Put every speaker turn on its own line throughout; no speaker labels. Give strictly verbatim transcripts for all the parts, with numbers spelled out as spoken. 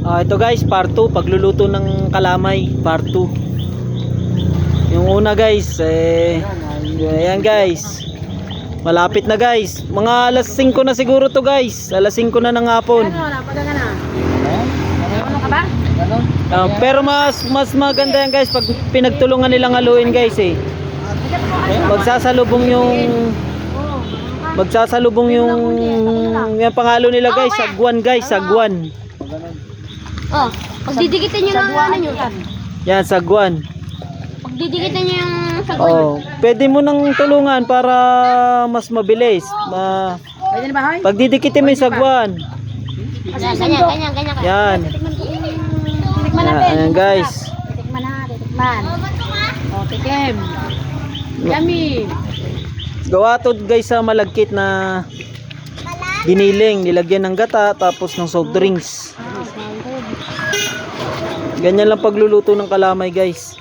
Ah, ito guys, part two, pagluluto ng kalamay, part two. Yung una guys, eh, ayan guys. Malapit na guys. Mga alas singko na siguro to guys. Alas singko na ng hapon.
Ano, napaga ka na. Ano ka ba?
Ah, pero mas mas maganda yan guys pag pinagtulungan nilang haluin guys eh. Magsasalubong yung Magsasalubong yung yung pangalo nila guys, sagwan guys, sagwan.
Oh, pagdidikitin nyo ng ano nyo.
Yan, sagwan.
Pagdidikitin nyo yung sagwan.
Oh, pwede mo nang tulungan para mas mabilis. Ma
Pwede na ba, hoy?
Pagdidikitin mo yung sagwan.
Ganyan, ganyan, ganyan, ganyan.
Yan.
Titikman
Yan,
natin.
ayan guys.
Titikman na, titikman. Oh, tikim. Yummy.
Gawa to guys sa malagkit na giniling, nilagyan ng gata tapos ng soft drinks. Ganyan lang pagluluto ng kalamay guys.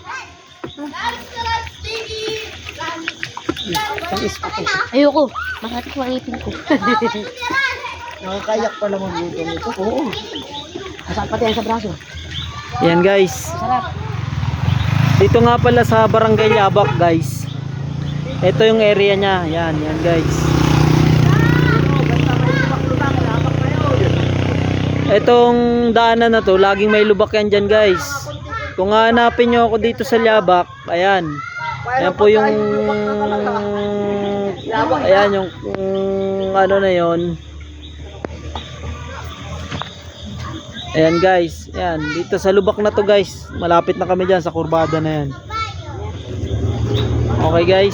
Ayoko. Masakit ko ang ipin ko.
Nakakayak pa naman luto nito. Oo. Masakit pati yan sa braso.
Yan guys.
Sarap.
Dito nga pala sa Barangay Yabak guys. Ito yung area niya. Yan, yan guys. Itong daanan na to, laging may lubak yan dyan guys. Kung hanapin nyo ako dito sa Yabak, ayan. Ayan po yung ayan yung, yung ano na yon. Ayan guys, ayan dito sa lubak na to guys. Malapit na kami dyan sa kurbada na yan. Okay guys,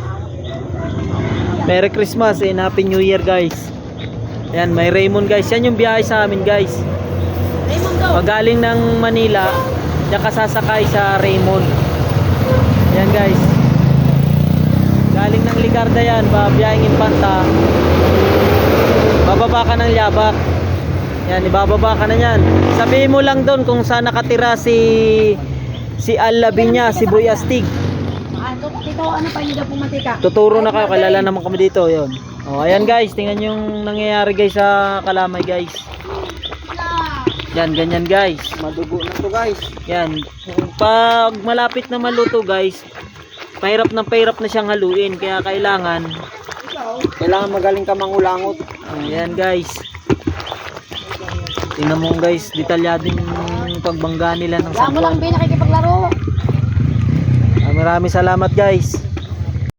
Merry Christmas and Happy New Year guys. Ayan, may Raymond guys. Yan yung biyahe sa amin guys.
Raymond daw.
Pag galing ng Manila, diyan ka sasakay sa Raymond. Ayan guys. Galing ng Ligarda yan, babiyahing Infanta. Bababa ka ng Yabak. Yan, ibababa ka na yan. Sabihin mo lang doon kung saan nakatira si si Al Labinya, si Boy Astig.
Ah, tito, ano pa yun daw pumatika?
Tuturo na kayo, kilala naman kami dito. Yun. Oh, ayan guys, tingnan yung nangyayari guys sa kalamay guys. Yan, ganyan guys.
Madugo na to guys.
Yan. Pag malapit na maluto guys, pahirap na pahirap na siyang haluin. Kaya kailangan
Kailangan magaling ka mangulangot.
ayan guys. Tingnan mo guys, detalyado yung pagbangga nila ng
Wala mo lang
sagwan.
ba nakikipaglaro?
Ah, maraming salamat guys.